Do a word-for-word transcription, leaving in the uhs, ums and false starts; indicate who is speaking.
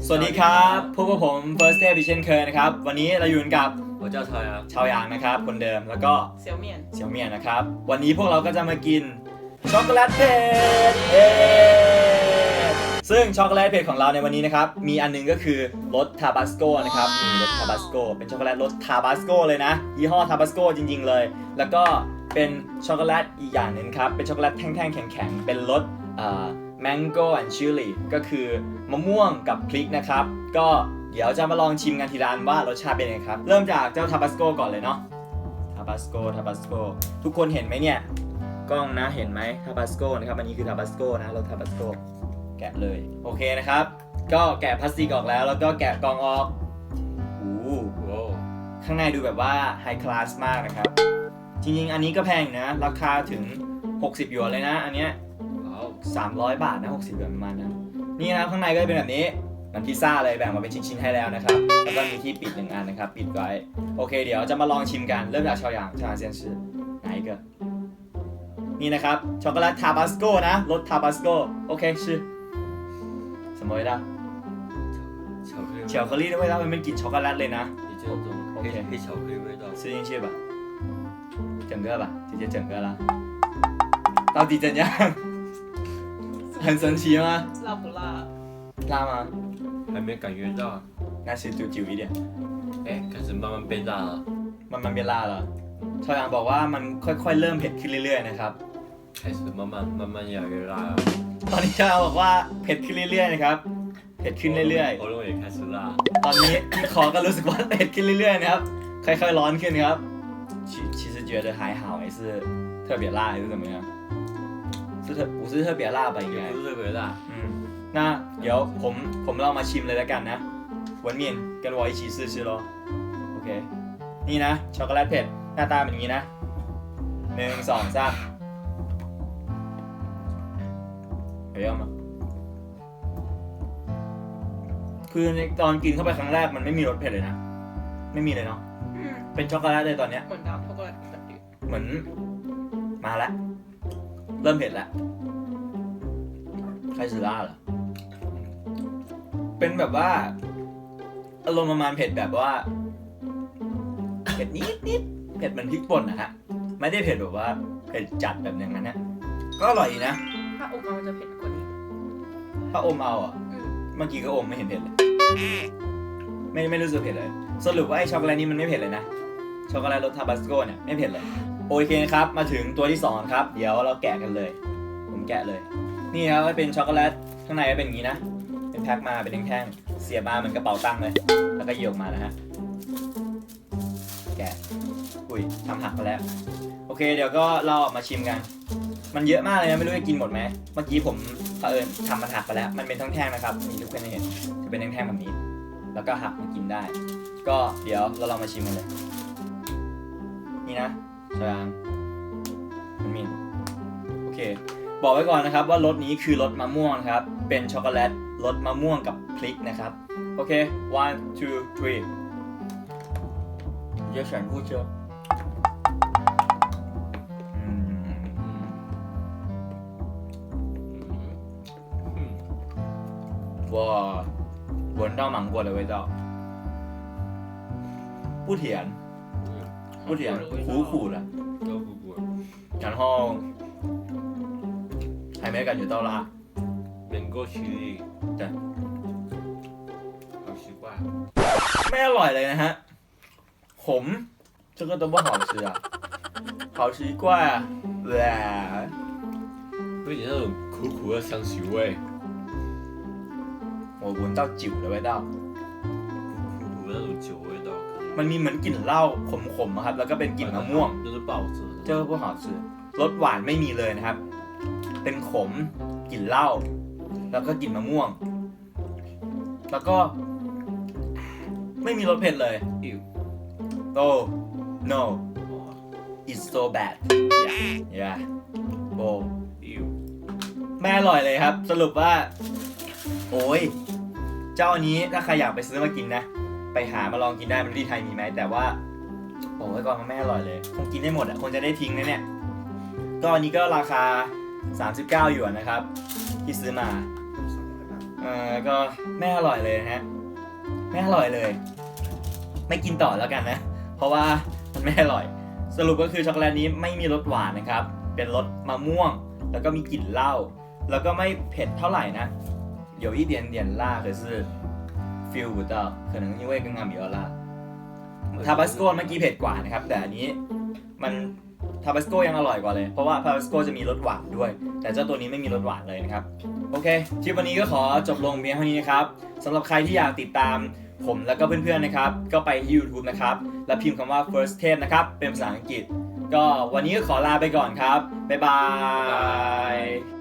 Speaker 1: สวัสดีครับพบกับผม First Day เช่นเคยนะครับวันนี้เราอยู่กับ
Speaker 2: 我叫朝阳
Speaker 1: ชาวยางนะครับคนเดิมแล้วก็
Speaker 3: เสี่ยวเมี่ยน
Speaker 1: เสี่ยวเมี่ยนนะครับวันนี้พวกเราก็จะมากินช็อกโกแลตเผ็ดเย้ซึ่งช็อกโกแลตเผ็ดของเราในวันนี้นะครับมีอันนึงก็คือรสทาบาสโกนะครับมีรสทาบาสโกเป็นช็อกโกแลตรสทาบาสโกเลยนะยี่ห้อทาบาสโกจริงๆเลยแล้วก็เป็นช็อกโกแลตอีกอย่างหนึ่งครับเป็นช็อกโกแลตแท่งๆแข็งๆเป็นรสอ่า mango and chili ก็คือมะม่วงกับพริกนะครับก็เดี๋ยวจะมาลองชิมกันทีละอันว่ารสชาติเป็นยังไงครับเริ่มจากเจ้าทาบาสโกก่อนเลยเนาะทาบาสโกทาบาสโกทุกคนเห็นไหมเนี่ยกล้องนะเห็นไหมทาบาสโกนะครับอันนี้คือทาบาสโกนะรสทาบาสโกแกะเลยโอเคนะครับก็แกะพลาสติกออกแล้วแล้วก็แกะกล่องออกโอ้โหข้างในดูแบบว่าไฮคลาสมากนะครับจริงๆอันนี้ก็แพงนะราคาถึงหกสิบหยวนเลยนะอันเนี้ยสามร้อยบาทนะหกสิบหยวนประมาณนั้นนี่นะครับข้างในก็จะเป็นแบบนี้มันพิซซ่าเลยแบ่งมาเป็นชิ้นๆให้แล้วนะครับแล้วก็มีที่ปิดหนึ่งอันนะครับปิดไว้โอเคเดี๋ยวจะมาลองชิมกันเริ่มจากชาวหยางชาวหยางเซียนชื่อไหนก็นี่นะครับช็อกโกแลตทาบาสโกนะรสทาบาสโกโอเคชื่อ什么味道
Speaker 2: 巧克力
Speaker 1: 巧克力的味道มันเป็นกลิ่นช็อกโกแลตเลยนะ
Speaker 2: 你这种黑黑巧克力味道
Speaker 1: 吃进去吧整个吧直接整个啦到底怎样很神奇吗
Speaker 3: 辣不辣？
Speaker 1: 辣吗
Speaker 2: 还没感觉到
Speaker 1: 那是就久一点
Speaker 2: 哎开始慢慢变大了
Speaker 1: มันมันเป็นลาเหรอชาวหยางบอกว่ามันค่อยๆเริ่มเผ็ดขึ้นเรื่อยๆนะครับ
Speaker 2: 开始慢慢慢慢越来越辣了
Speaker 1: ตอนนี้ชาวหยางบอกว่าเผ็ดขึ้นเรื่อยๆนะครับเผ็ดขึ้นเรื่อย
Speaker 2: 喉咙也开始辣
Speaker 1: ๆตอนนี้ที่คอก็รู้สึกว่าเผ็ดขึ้นเรื่อยๆนะครับค่อยๆร้อนขึ้นครับ其其实觉得还好还是特别辣还是怎么样是特不是特别辣吧应该
Speaker 2: 也不是特别辣
Speaker 1: 嗯那เดี๋ยวผมผมลองมาชิมเลยแล้วกันนะ文面跟我一起试试咯โอเคนี่นะช็อกโกแลตเผ็ดหน้าตาเป็นอย่างนี้นะหนึ่งสองสามเห็นยังมั้ยคือในตอนกินเข้าไปครั้งแรกมันไม่มีรสเผ็ดเลยนะไม่มีเลยเนาะเป็นช็อกโกแลตเลยตอนเนี้ย
Speaker 3: เหมือนดาร์กช็อกโกแลตแบบนี้
Speaker 1: เหมือนมาแล้วเริ่มเผ็ดแล้ว开始辣了เป็นแบบว่าอารมณ์ประมาณเผ็ดแบบว่าเผ็ดนิดนิดเผ็ดเหมือนพริกป่นนะฮะไม่ได้เผ็ดแบบว่าเผ็ดจัดแบบอย่างนั้นนะก็อร่อยดีนะ
Speaker 3: ถ้าอมเอาจะเผ็ดกว่านี้
Speaker 1: ถ้าอมเอาอ่ะ
Speaker 3: อืม
Speaker 1: เมื่อกี้ก็อมไม่เห็นเผ็ดเลยไม่ไม่รู้สึกเผ็ดเลยสรุปว่าไอ้ช็อกโกแลตนี้มันไม่เผ็ดเลยนะช็อกโกแลตรสทาบาสโกเนี่ยไม่เผ็ดเลยโอเคครับมาถึงตัวที่สองครับเดี๋ยวเราแกะกันเลยผมแกะเลยนี่ครับเป็นช็อกโกแลตข้างในก็เป็นอย่างนี้นะเป็นแพ็คมาเป็นแท่งๆเสียบมาเหมือนกระเป๋าตังค์เลยแล้วก็โยกมานะฮะแกะอุ้ยทำหักไปแล้วโอเคเดี๋ยวก็เราออกมาชิมกันมันเยอะมากเลยนะไม่รู้จะกินหมดไหมเมื่อกี้ผมเผอิญทำมันหักไปแล้วมันเป็นแท่งๆนะครับนี่ทุกคนเห็นจะเป็นแท่งๆแบบนี้แล้วก็หักมากินได้ก็เดี๋ยวเราลองมาชิมกันเลยนี่นะชางมันมีโอเคบอกไว้ก่อนนะครับว่ารสนี้คือรสมะม่วงครับเป็นช็อกโกแลตรสมะม่วงกับพริกนะครับโอเค one two three จะ选不吃哇闻到芒果的味道不甜不甜苦苦的
Speaker 2: 都苦苦
Speaker 1: 然后还没感觉到辣
Speaker 2: 能够起力
Speaker 1: 对
Speaker 2: 好奇怪
Speaker 1: ไม่อร่อยเลยนะฮะขม这个都不好吃啊好奇怪啊
Speaker 2: 有点那种苦苦的香气味
Speaker 1: 我闻到酒的味道
Speaker 2: 苦苦的那种酒味道
Speaker 1: มันมีเหมือนกลิ่นเหล้าขมๆครับแล้วก็เป็นกลิ่นมะม่วง
Speaker 2: 就是不好吃
Speaker 1: 这个不好吃รสหวานไม่มีเลยนะครับเป็นขมกลิ่นเหล้าแล้วก็กลิ่นมะม่วงแล้วก็ไม่มีรสเผ็ดเลยoh no it's so bad yeah yeah oh ไม่อร่อยเลยครับสรุปว่าโอ้ยเจ้าอันนี้ถ้าใครอยากไปซื้อมากินนะไปหามาลองกินได้ไม่รู้ที่ไทยมีไหมแต่ว่าบอกไว้ก่อนมันไม่อร่อยเลยคงกินได้หมดอ่ะคงจะได้ทิ้งนะเนี่ยก็อันนี้ก็ราคาสามสิบเก้าหยวนนะครับที่ซื้อมาเอเออก็ไม่อร่อยเลยนะฮะไม่อร่อยเลย ไม่กินต่อแล้วกันนะ เพราะว่ามันไม่อร่อย สรุปก็คือช็อกโกแลตนี้ไม่มีรสหวานนะครับ เป็นรสมะม่วง แล้วก็มีกลิ่นเหล้าแล้วก็ไม่เผ็ดเท่าไหร่นะ有一点点辣可是 feel 不到可能因为刚刚比较辣ทาบาสโกเมื่อกี้เผ็ดกว่านะครับแต่อันนี้มันทาบาสโกยังอร่อยกว่าเลยเพราะว่าทาบาสโกจะมีรสหวานด้วยแต่เจ้าตัวนี้ไม่มีรสหวานเลยนะครับโอเคคลิปวันนี้ก็ขอจบลงเพียงเท่านี้นะครับสำหรับใครที่อยากติดตามผมแล้วก็เพื่อนๆนะครับก็ไปที่ YouTube นะครับแล้วพิมพ์คำว่า first taste นะครับเป็นภาษาอังกฤษก็วันนี้ก็ขอลาไปก่อนครับบ๊ายบาย